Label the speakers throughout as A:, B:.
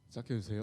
A: 시작해주세요.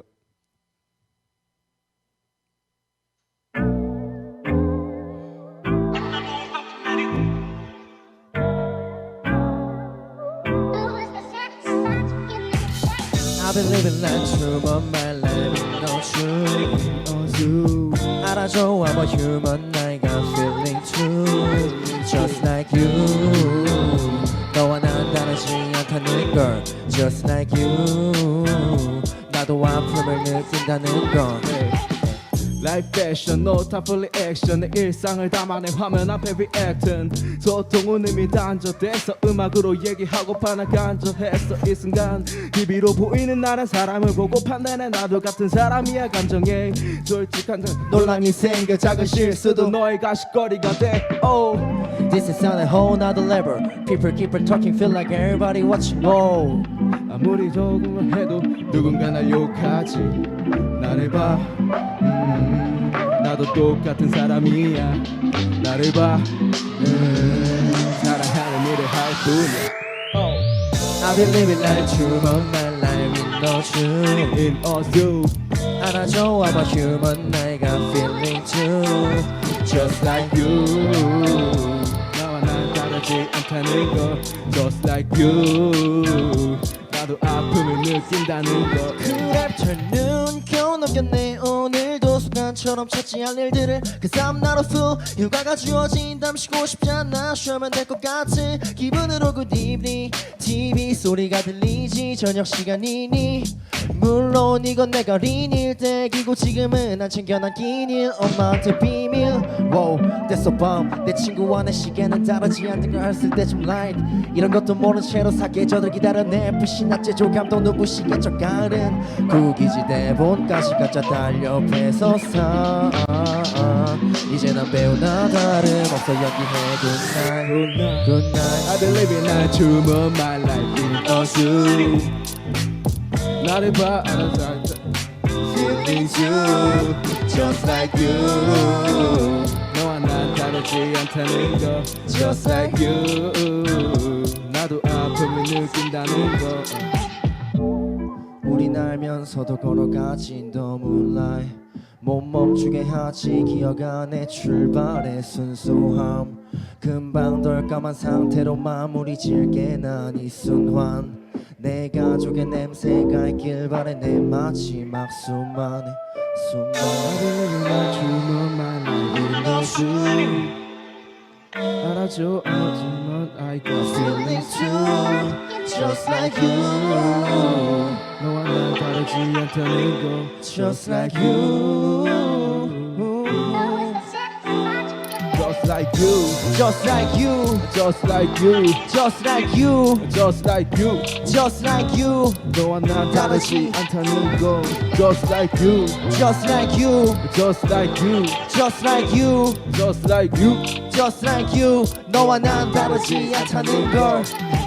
B: I've been living like true, but my life ain't no true. 알아줘, I'm a human, I got feeling too. Just like you. 너와 난 다르지 않다는 걸. Just like you. 나도 아픔을 느낀다는 걸.
C: 라이프 패션 노타 풀리 액션 내 일상을 담아낸 화면 앞에 리액튼 소통은 이미 단절돼서 음악으로 얘기하고파 나 간절했어 이 순간 TV로 보이는 나란 사람을 보고 판단해 나도 같은 사람이야 감정에 솔직한 논란이 생겨 작은 실수도 너의 가십거리가 돼 oh.
B: This is on a whole nother level. People keep on talking, feel like everybody watching. Oh.
C: 아무리 조금만 해도 누군가 날 욕하지 나를 봐 나도 똑같은 사람이야 나를 봐 사랑하는 일을 할 뿐이야
B: I've been living like true, but my life ain't no true.
C: In us you
B: 알아줘, I'm a human, I got feeling too.
C: Just like you 나와 난 다르지 않다는 거 Just like you 나도 아픔을 느낀다는 거
B: 그랩처럼 겨우 넘겼네 오늘도 습관처럼 찾지 않을 일들을 Cause I'm not a fool 휴가가 주어진다면 쉬고 싶지 않아 쉬면 될 것 같은 기분으로 good evening TV 소리가 들리지 저녁 시간이니 물론 이건 내가 어린일 때이고 지금은 안 챙겨난 끼니 엄마한테 비밀 Wow that's so bomb 내 친구와 내 시계는 다르지 않는 걸 했을 때 좀 light 이런 것도 모른 채로 사계절을 기다려내 불신 낙제 조감도 눈부시겠죠 가을은 구기지 대본까지 가짜 달려 뺏어서 이제 난 배우나 다름없어 여기해 good night good night
C: I believe in a true but my life in us you 나를 봐 알아서 feeling you just like you 너와 난 다르지 않다는 거 just like you 나도 아픔을 느낀다는 거
B: 우린 알면서도 걸어가진 the moonlight 못 멈추게 하지 기억 안에 출발의 순수함 금방 덜까만 상태로 마무리 질게 난 이 순환 내 가족의 냄새가 있길 바래 내 마지막 수만의
C: 알아줘 알지만 I got feelings too
B: Just like you
C: 너와 난 다르지 않다는 거
B: Just like you
C: Just like you
B: Just like you
C: Just like you
B: Just like you
C: Just like you
B: Just like you
C: 너와 난 다르지 않다는 거 Just like you
B: Just like you
C: Just like you
B: Just like you
C: Just like you
B: Just like you 너와 난 다르지 않다는 걸